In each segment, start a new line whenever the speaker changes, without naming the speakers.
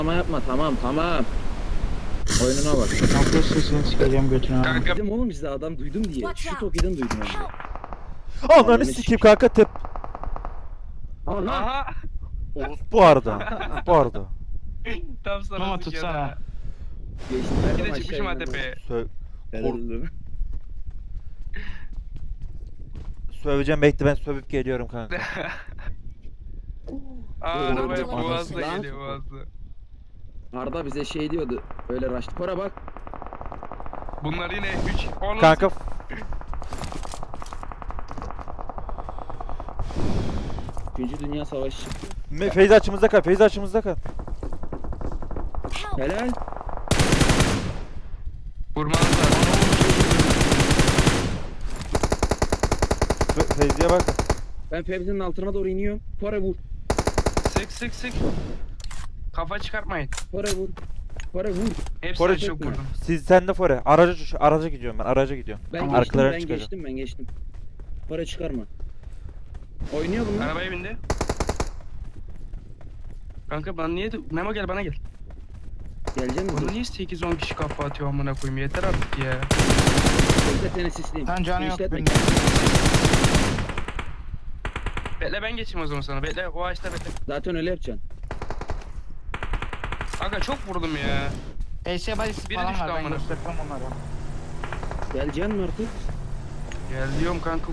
Ama yapma, tamam. Oyununa bak.
Nokta sesini sikeceğim götüne abi.
Kanka
Dedim oğlum size adam duydum diye. Şu Toki'den duydum onu.
Ananı sikeyim kanka tep.
Aha.
aha.
Bu arada. Bu arada.
Tam sana
Mama
sıkıyor
tutsana.
ha.
Geçtim.
Bir de çıkmışım ha tepeye.
Söveceğim bekle ben sövüp geliyorum kanka.
Aa arabaya
Anasını
boğazla
lan.
geliyor boğazla.
Arda bize şey diyordu. Öyle raştı. Kora bak.
Bunlar yine 3 10
Kanka
Üçüncü Dünya Savaşı çıktı.
Feyza açımızda kal. Feyza açımızda kal.
Helal.
vurmanız lazım.
Feyzi'ye bak.
Ben Fevzi'nin altına doğru iniyorum. Kora vur.
Sık. Kafa çıkartmayın.
Kora vur. Kora vur.
Hepsini
Kore
çok
çekme.
vurdum.
Sen de fore. Araca gidiyorum ben. Araca gidiyorum.
Ben
Arkalarına
geçtim,
çıkacağım.
ben geçtim. Kora çıkarma. Oynuyor bunlar.
Arabaya bindi. Kanka bana niye... Memo gel bana gel.
Gelecek misin?
Bana niye 8-10 kişi kafa atıyor amına koyayım yeter artık ya.
Bekle seni sisleyeyim.
Lan canı yok
İşletme.
benim.
Bekle ben geçeyim o zaman sana. Bekle o ağaçta bekle.
Zaten öyle yapacaksın.
Aga çok vurdum ya.
ES balisi
Biri
falan
düştü
var ben
amına.
göstermem onlara.
Geleceksin mi artık?
Gel diyorum kanka.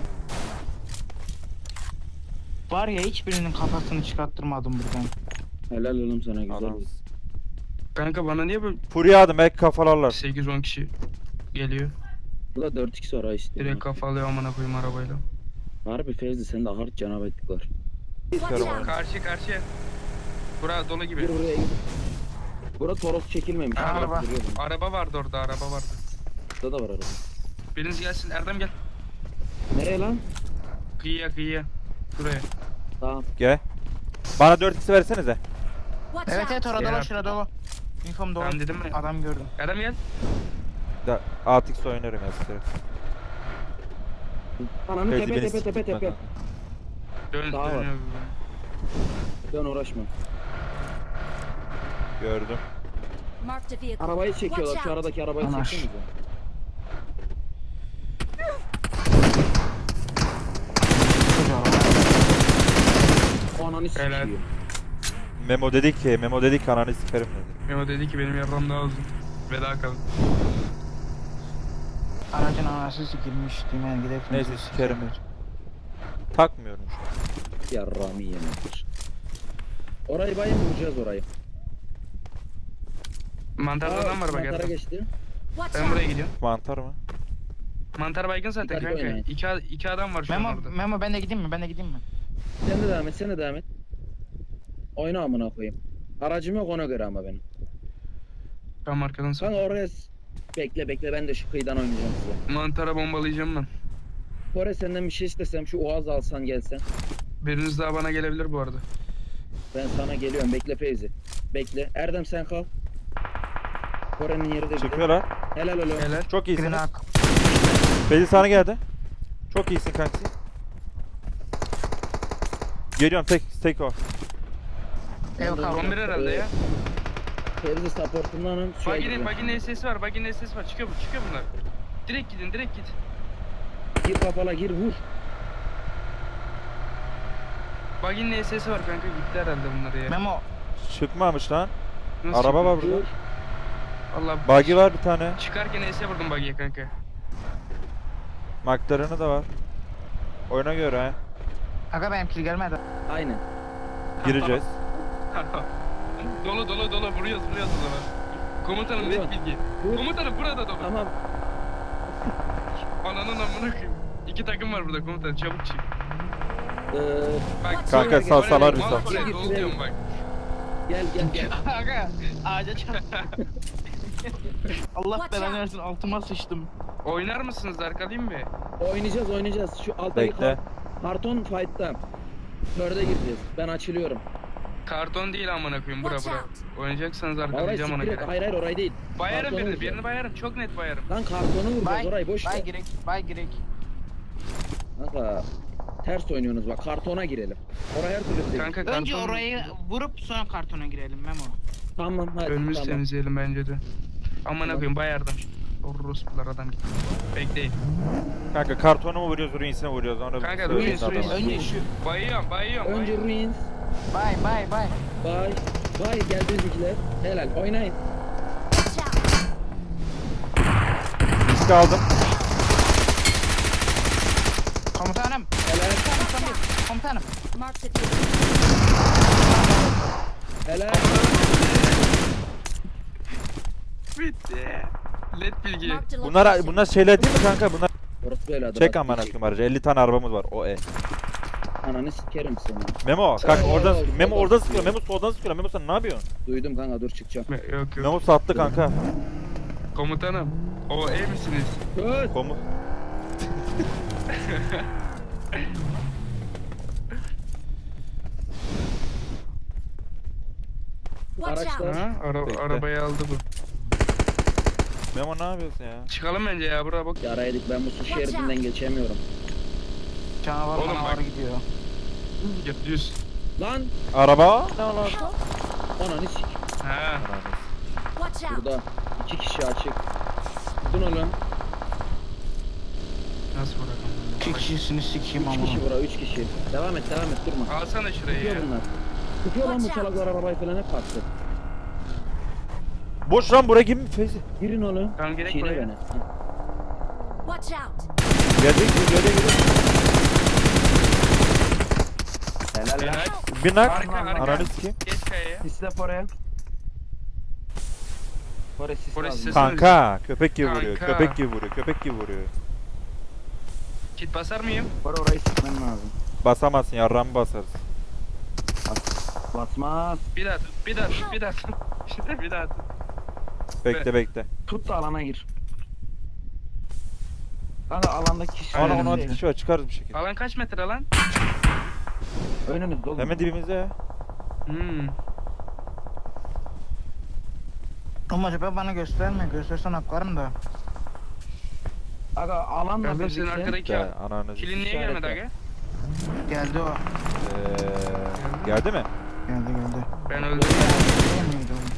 Var ya hiçbirinin kafasını çıkarttırmadım buradan.
Helal oğlum sana güzel.
Adam.
oldu.
Kanka bana niye böyle
Furya adım belki kafalarlar.
8-10 kişi geliyor.
Bu da 4-2 sonra istiyor.
Direkt kafa alıyor amına koyayım arabayla.
Harbi Fevzi sen de hard canavar ettik var.
İstiyorum onu.
Karşıya. Bura dolu gibi.
Gir buraya gir. Bura Toros çekilmemiş.
Araba.
Bak, duruyor bunun.
Araba vardı orada araba vardı.
Burada da var araba.
Biriniz gelsin Erdem gel.
Nereye lan?
Kıyıya. Şuraya.
Tamam.
Gel. Bana 4x versenize.
Evet orada
Ya.
dolu şurada dolu. Infom dolu.
Ben dedim mi?
Adam gördüm.
Erdem gel.
Da 6x oynarım ya size.
Ananı
Fevzi
tepe
beni
tepe tepe
siktirtme
tepe.
Dön
Daha var.
dönüyor.
Dön uğraşma.
Gördüm.
Arabayı çekiyorlar. Şu aradaki arabayı
Anaş.
çeksenize. O ananı
Helal.
sikiyor.
Memo dedi ki ananı sikerim dedi.
Memo dedi ki benim yarram daha uzun. Veda kalın.
Aracın anası sikilmiş. Dümen gidelim.
Neyse sikerim. Takmıyorum şu an.
Yarrami yemektir. Orayı bayım vuracağız orayı.
Mantarda adam var bak
mantara
Erdem.
geçti.
Ben buraya gidiyorum.
Mantar mı?
Mantar baygın zaten
Dikkatli
kanka.
oynayın.
İki adam var şu an orada.
Memo ben de gideyim mi? Ben de gideyim mi?
Sen de devam et, sen de devam et. Oyna amına koyayım. Aracım yok ona göre ama benim.
Ben arkadan
Kanka
sağ.
oraya bekle ben de şu kıyıdan oynayacağım size.
Mantara bombalayacağım ben.
Kore senden bir şey istesem şu Oğaz alsan gelsen.
Biriniz daha bana gelebilir bu arada.
Ben sana geliyorum bekle Feyzi. Bekle. Erdem sen kal. Kore'nin yeri de bir de.
Çıkıyorlar.
Helal oğlum.
Helal.
Çok iyisin.
Green Ark.
Feyzi sana geldi. Çok iyisin kanki. Geliyorum tek o.
Ev kaldı.
11 herhalde ya.
Feyzi supportundanım.
Baginin SS var. Baginin SS var. Çıkıyor bunlar. Direkt git.
Gir kafala gir vur.
Baginin SS var kanka gitti herhalde bunlar ya.
Memo.
Çıkmamış lan.
Nasıl
Araba var
çıkıyor?
burada.
Allah
Buggy var bir tane.
Çıkarken S vurdum buggy'ye kanka.
McLaren'ı da var. Oyuna göre ha.
Aga benimki gelmedi.
Aynen.
Gireceğiz.
dolu vuruyoruz o zaman. Komutanım net
Vurun.
bilgi.
Vur.
Komutanım burada dolu.
Tamam.
Ananın amına koyayım. 2 takım var burada komutanım çabuk çık. Bak
Kanka
sonra-
salsalar bir
Mal
sal.
oraya,
Gir,
dolu
gir,
diyorum
gir.
bak.
Gel.
Aga ağaca çarptı. Allah belanı versin altıma sıçtım.
Oynar mısınız arkalayayım mı?
Oynayacağız. Şu alttaki
Bekle.
karton fight'ta. Dörde gireceğiz. Ben açılıyorum.
Karton değil amına koyayım bura. Oynayacaksanız
Orayı
arkalayacağım ona
siktir et.
göre.
Hayır orayı değil.
Bayarım
Kartonu
birini
vuracağım.
bayarım. Çok net bayarım.
Lan kartonu vuracağız orayı boş ver.
Bay girek.
Kanka Ters oynuyorsunuz bak. Kartona girelim. Oraya her türlü girelim.
Kanka
Önce
karton-
orayı vurup sonra kartona girelim Memo.
Tamam hadi.
Önümüzü
tamam.
temizleyelim bence de. Aman
Tamam.
koyayım bayardım. Orospular adam gitti. Bekleyin.
Kanka kartona mı vuruyoruz, ruinsine vuruyoruz? Onu
Kanka,
söyleyin
ruins,
adama.
ruins.
Önce şu.
Bayıyorum.
Önce ruins.
Bay.
Bay. Bay geldi bizimkiler. Helal oynayın.
Watch out!
Risk aldım.
Komutanım.
Helal.
Komutanım.
Marked a vehicle.
Helal.
Bitti. Led bilgi.
Marked a
Bunlar
location.
bunlar şeyler değil mi kanka? Bunlar
Orası böyle adı.
çek amına koyayım aracı. 50 tane arabamız var. O
Ananı sikerim seni.
Memo kanka
Oo,
oradan
soldan
Memo oradan
sıkıyor.
sıkıyor. Memo soldan sıkıyor. Memo sen ne yapıyorsun?
Duydum kanka dur çıkacağım.
Yok.
Memo sattı kanka.
Komutanım. O misiniz?
Köz.
Komu.
Watch
Araçlar.
out!
Ha?
Bekle.
Arabayı aldı bu.
Memo ne yapıyorsun ya?
Çıkalım bence ya buraya bak.
Yaraydık ben bu su şeridinden geçemiyorum.
Canavar
Oğlum
canavar
bak.
gidiyor.
Git düz.
Lan.
Araba? Ne lan?
Ananı sik.
Ha.
Watch out!
Burada 2 kişi açık. Tutun oğlum.
Nasıl bırakalım?
2 kişisini sikeyim
3
ama.
kişi bura 3 kişi. Devam et durma.
Alsana şurayı
Tutuyor
ya.
bunlar. Tutuyor lan bu
Watch out.
salaklar arabayı falan hep baktı.
Boş lan buraya gibi mi Feyzi?
Girin oğlum.
Tamam, gerek
Çiğne
buraya.
beni.
Watch out!
Geldi.
Helal lan.
Helal.
Bir nak.
Arka.
Ananı sikeyim.
Geç kayaya.
Sisle oraya. Oraya sis
Oraya
lazım.
sis-
Kanka köpek gibi vuruyor.
Kanka.
Köpek gibi vuruyor.
Kit basar mıyım?
Orayı sıkman lazım.
Basamazsın yarramı basarsın.
Basmaz.
Bir daha tut. İşte bir daha tut.
Bekle.
Tut da alana gir. Kanka alandaki kişi.
Ana
Aynen.
16 kişi var çıkarız bir şekilde.
Alan kaç metre lan?
Önünüz dolu.
Hemen dibimizde ya.
Ama acaba bana gösterme. Göstersen atlarım da.
Aga alanla
Gördüm senin
birlikte.
arkadaki
Ya ananı.
kilin niye
İşaret
gelmedi
yap.
aga?
Geldi o.
Geldi mi?
Geldi.
Ben öldüm.
Gelmedi oğlum.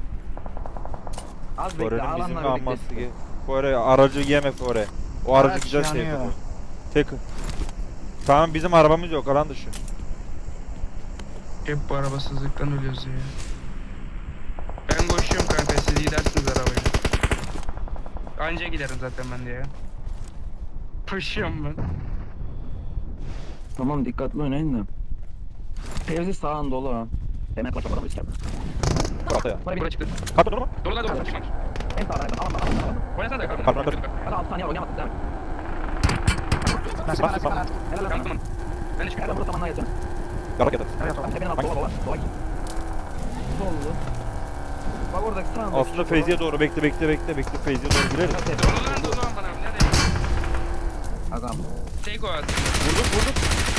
Az bekle
Fore'nin bizim
alanla
alması
birlikte.
ki. Fore aracı yeme Fore. O aracı
Araç
güzel şey
yanıyor.
yapıyor. Tek. Tamam bizim arabamız yok alan dışı.
Hep bu arabasızlıktan ölüyoruz ya. Ben koşuyorum kanka, siz gidersiniz arabayla. Anca giderim zaten ben de ya. Koşuyorum ben.
Tamam dikkatli oynayın da. Fevzi sağın dolu ha. Hemen kaç adamı ister.
Kapı ya.
Buraya çıktı.
Kapı durma.
Dolu lan dolu. Çıkmamış.
En sağdan alan.
Oynasana da
Pardon,
kalkın.
dur.
Hadi 6 saniye oynayamadık değil mi?
Nasıl
Bas,
bana
bas.
Helal lan.
Tamam. Ben de
Helal
çıkıyorum.
burada zamanla yatın.
Yarak yatar.
Evet tamam. Tepenin altı dola. Sollu. Bak oradaki sağında.
Aslında Feyzi'ye doğru bekle Feyzi'ye doğru gireriz.
Dolu lan dolu lan bana. Nerede?
Agam.
Tek o at.
Vurduk.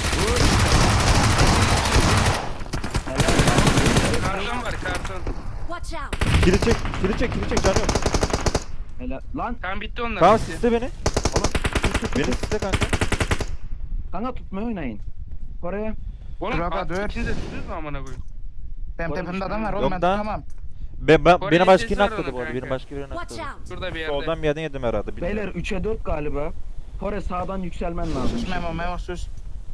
Karton var karton.
Watch out!
Kili çek canım.
Helal. Lan.
Tamam bitti onlar.
Tamam
bitti.
sisle beni. Beni sisle kanka.
Kanka tutmayı oynayın. Oraya.
Oğlum
Dur aga, dur.
ikiniz de tutuyoruz mu amına koyayım?
Benim tepemde adam var oğlum,
Yok
ben
da.
tutamam.
Oraya
Beni başka
sesi
birine
var
atladı
onun
bu arada.
kanka.
Benim başka birine
Watch
atladı.
out!
Şurada bir yerde.
Soldan bir yerden yedim herhalde.
Beyler 3'e 4 galiba. Kore sağdan yükselmen lazım.
Sus Memo sus.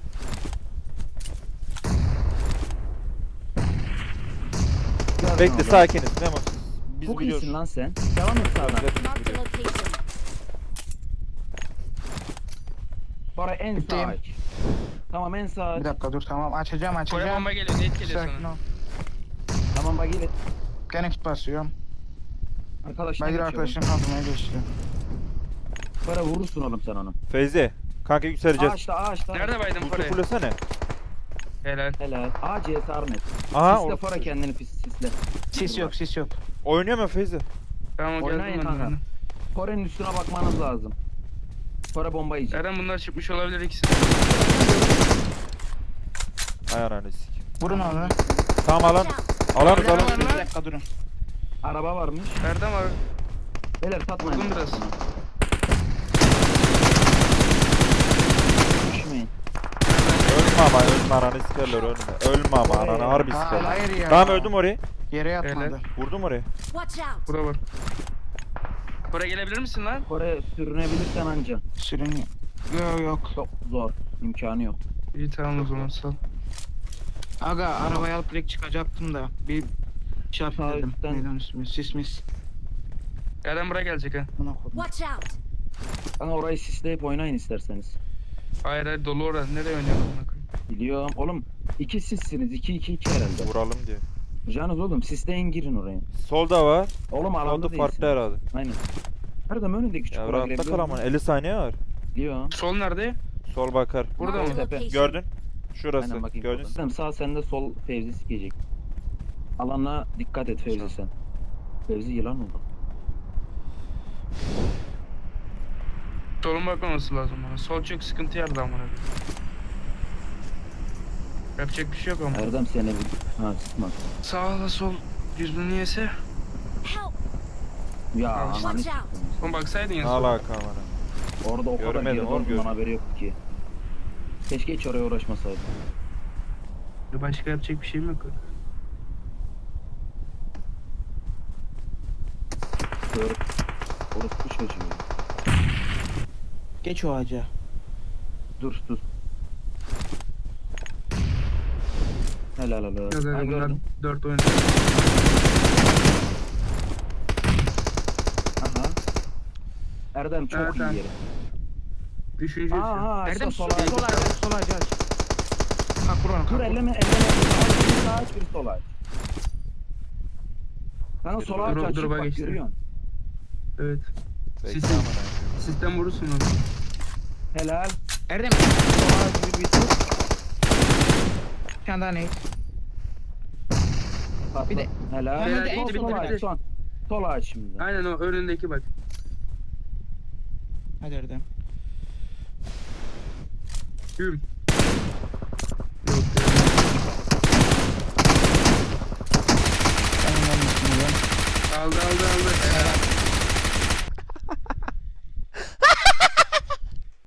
Gördün
Bekle
oğlum.
sakiniz. Memo. Biz
Çok
biliyoruz.
iyisin lan sen. Devam et sağdan.
Marked a location.
Kore en sağ
Bittiyim.
aç. Tamam en sağ aç.
Bir dakika dur tamam açacağım.
Koya bomba geliyor. Net geliyor
Sakin
sana.
ol.
Tamam bak gel.
Gene kit basıyorum.
Arkadaşlar
Ben bir arkadaşım kaldırmaya geçti.
Kore vurursun oğlum sen onu.
Feyzi. Kanka yükseleceğiz.
Ağaçta.
Nerede baydın
Usta
Kore'ye?
fullesene.
Helal.
Helal. CS Arnet.
Aha.
Sisle
o-
Kore kendini sisle.
Sis yok.
Oynuyor mu Feyzi?
Tamam
Oynayın
geldim
kanka.
ben.
Kore'nin üstüne bakmanız lazım. Kore bomba yiyecek.
Eren bunlar çıkmış olabilir ikisi.
Ay ananı sik.
Vurun onu.
Tamam alan.
Watch out!
Alanız
Araba
alan.
var
Bir
lan.
dakika durun.
Araba varmış.
Erdem var.
Beyler tatmayın.
Vurdum biraz.
Düşmeyin.
Nerede?
ama ölme ananı sikerler ölme. Ölme ama ananı harbi
Ha,
sikerler.
hayır ya.
Tamam öldüm orayı.
Yere yatmadı.
Öyle.
Vurdum orayı.
Watch out!
Burada var. Buraya gelebilir misin lan?
Kore sürünebilirsen anca.
Sürün. Yok.
Çok zor. İmkanı yok.
İyi tamam o zaman sal.
Aga arabayı alıp direkt çıkacaktım da bir şey yapayım
Sağ
dedim.
üstten-
Neyden üstüme? Sis mis.
Erdem buraya gelecek ha.
Buna koydum.
Watch out!
Kanka orayı sisleyip oynayın isterseniz.
Hayır hayır dolu orada. Nereye oynuyorsun amına koyayım?
Biliyorum. Oğlum 2 sizsiniz. 2-2-2 herhalde.
Vuralım diyor.
Canınız oğlum sisleyin girin oraya.
Solda var.
Oğlum alanda
Solda
değilsin.
farklı herhalde.
Aynen. Erdem önünde küçük
Ya
kura
rahatta
girebiliyor
kal
musun?
ama 50 saniye var.
Biliyorum.
Sol nerede?
Sol bakar.
Burada
Marked
mı?
a
Tepe.
location.
Gördün? Şurası.
Aynen bakayım.
Gördün.
Erdem sağ sende sol Fevzi sikecek. Alana dikkat et Fevzi sen. Fevzi yılan oldu.
Solun bakmaması lazım bana. Sol çok sıkıntı yaradı amına koyayım. Yapacak bir şey yok ama.
Erdem seni bir... Ha sıkma.
Sağla sol yüzünü yese.
Help!
Ya
Al.
ananı
Watch
sikeyim.
Oğlum baksaydın ya
Ne
sola.
alaka amına.
Orada o kadar
Görmedim
geride
oğlum,
olduğundan
görmedim.
haberi yoktu ki. Keşke hiç oraya uğraşmasaydım.
Başka yapacak bir şeyim yok.
Gör. Orospu çocuğu.
Geç o ağaca.
Dur. Helal helal.
Yok
Ha,
bunlar
gördüm.
4 oyun.
Aha. Erdem çok
Evet,
iyi
evet.
yeri.
Üçüncü.
Aha
Erdem
sol
sol
sol aç.
sol ağaca aç. Kalk buranı
Dur
kalk.
elleme. Biri sağ aç biri sol aç. Kanka sol aç
Dur,
açık
dur, bak
bak
işte.
görüyorsun.
Evet.
Bekle
Sistem.
amına.
Sistem vurursun onu.
Helal.
Erdem
Sol aç bir bitir.
bir tane daha ne?
Patla.
Bir de-
Helal.
Hemen
de
Sol,
bitti,
sol
bitti,
aç
bitti.
son. Sol aç şimdi.
Aynen o önündeki bak.
Hadi Erdem.
Gül. Yok ya.
Ben onların üstüne
Aldı.